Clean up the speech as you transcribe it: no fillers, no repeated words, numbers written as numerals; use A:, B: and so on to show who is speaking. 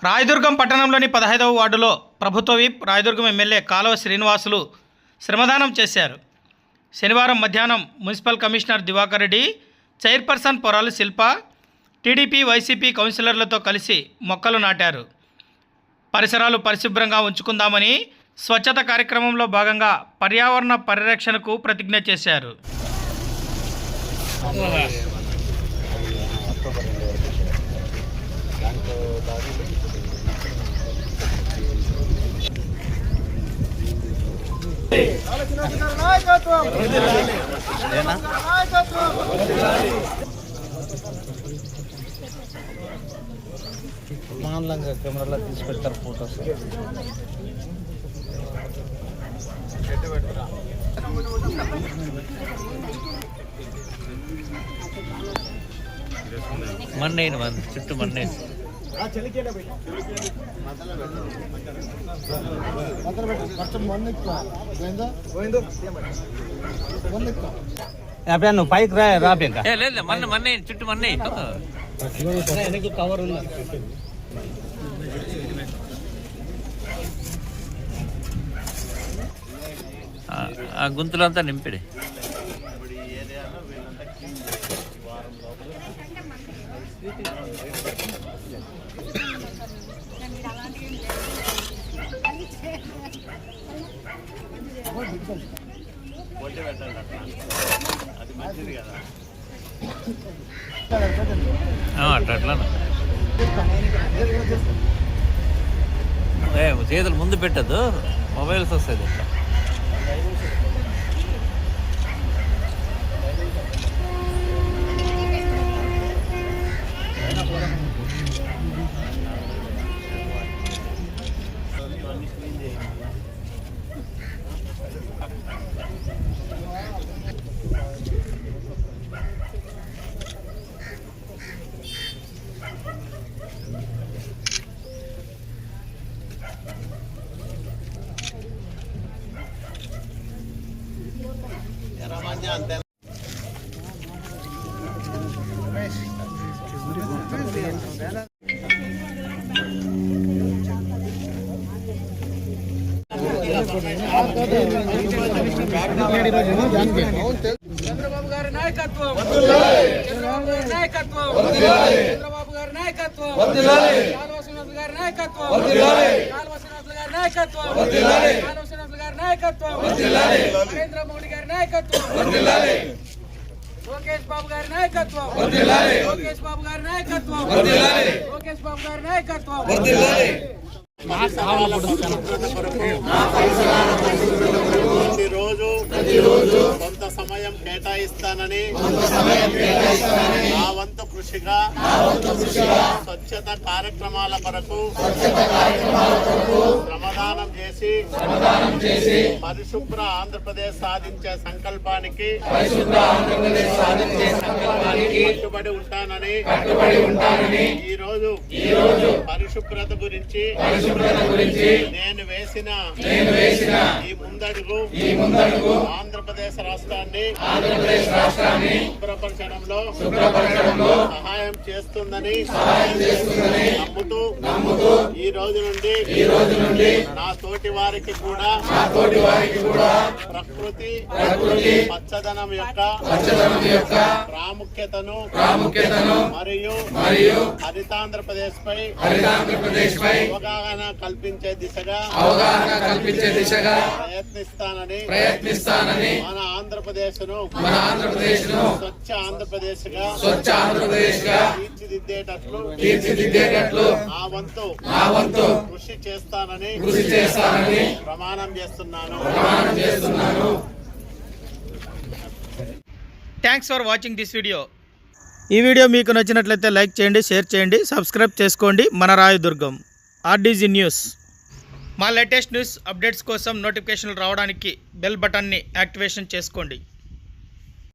A: రాయదుర్గం పట్టణంలోని 15వ వార్డులో ప్రభుత్వ విప్ రాయదుర్గం ఎమ్మెల్యే కాలువ శ్రీనివాసులు శ్రమదానం చేశారు. శనివారం మధ్యాహ్నం municipal commissioner Diwakar Reddy, chairperson Poralu Shilpa, TDP YCP కౌన్సిలర్లతో కలిసి మొక్కలు నాటారు. పరిసరాలు పరిశుభ్రంగా ఉంచుకుందామని స్వచ్ఛత కార్యక్రమంలో భాగంగా పర్యావరణ పరిరక్షణకు ప్రతిజ్ఞ చేశారు.
B: మాన్లంగా కెమెరాలో తీసి పెడతారు ఫోటోస్. మన్నేను చుట్టూ మన్నేను నువ్వు పైకి రాపేక లేదు మన్నే చుట్టూ మన్నే కవర్ ఉంది. ఆ గుంతులంతా నింపిడి. అట్లా చేతులు ముందు పెట్టద్దు, మొబైల్స్ వస్తుంది ఇట్లా. అంతే
C: చంద్రబాబు గారి నాయకత్వం, చంద్రబాబు గారి నాయకత్వం, చంద్రబాబు గారి నాయకత్వం, కాలువ శ్రీనివాసులు గారి నాయకత్వం, కాలువ శ్రీనివాసులు గారి నాయకత్వం, కాలువ శ్రీనివాసులు గారి నాయకత్వం, నరేంద్ర మోడీ గారి నాయకత్వం, లోకేష్ బాబు గారి నాయకత్వం, లోకేష్ బాబు గారి నాయకత్వం, లోకేష్ బాబు గారి నాయకత్వం.
D: ప్రతిరోజు కొంత సమయం కేటాయిస్తానని నా వంతు కృషిగా స్వచ్ఛత కార్యక్రమాల కొరకు శ్రమదానం చేసి పరిశుభ్ర ఆంధ్రప్రదేశ్ సాధించే సంకల్పానికి కట్టుబడి ఉంటానని ఈ రోజు పరిశుభ్రత గురించి నేను వేసిన ఈ ముందడుగు ఆంధ్రప్రదేశ్ రాష్ట్రాన్ని శుభ్రపరచడంలో సహాయం చేస్తుందని నమ్ముతూ ఈ రోజు నుండి నా తోటి వారికి కూడా ప్రకృతి పచ్చదనం యొక్క ప్రాముఖ్యతను మరియు హరితాంధ్రప్రదేశ్ పై అవగాహన కల్పించే దిశగా ప్రయత్నిస్తానని మన ఆంధ్రప్రదేశ్ ను స్వచ్ఛ ఆంధ్రప్రదేశ్ గా తీర్చిదిద్దేటట్లు నా వంతు కృషి చేస్తానని ప్రమాణం చేస్తున్నాను.
A: Thanks for watching this video. ఈ వీడియో మీకు నచ్చినట్లయితే లైక్ చేయండి, షేర్ చేయండి, సబ్స్క్రైబ్ చేసుకోండి. మన రాయదుర్గం ఆర్డీజీ న్యూస్. మా లేటెస్ట్ న్యూస్ అప్డేట్స్ కోసం నోటిఫికేషన్లు రావడానికి బెల్ బటన్ని యాక్టివేషన్ చేసుకోండి.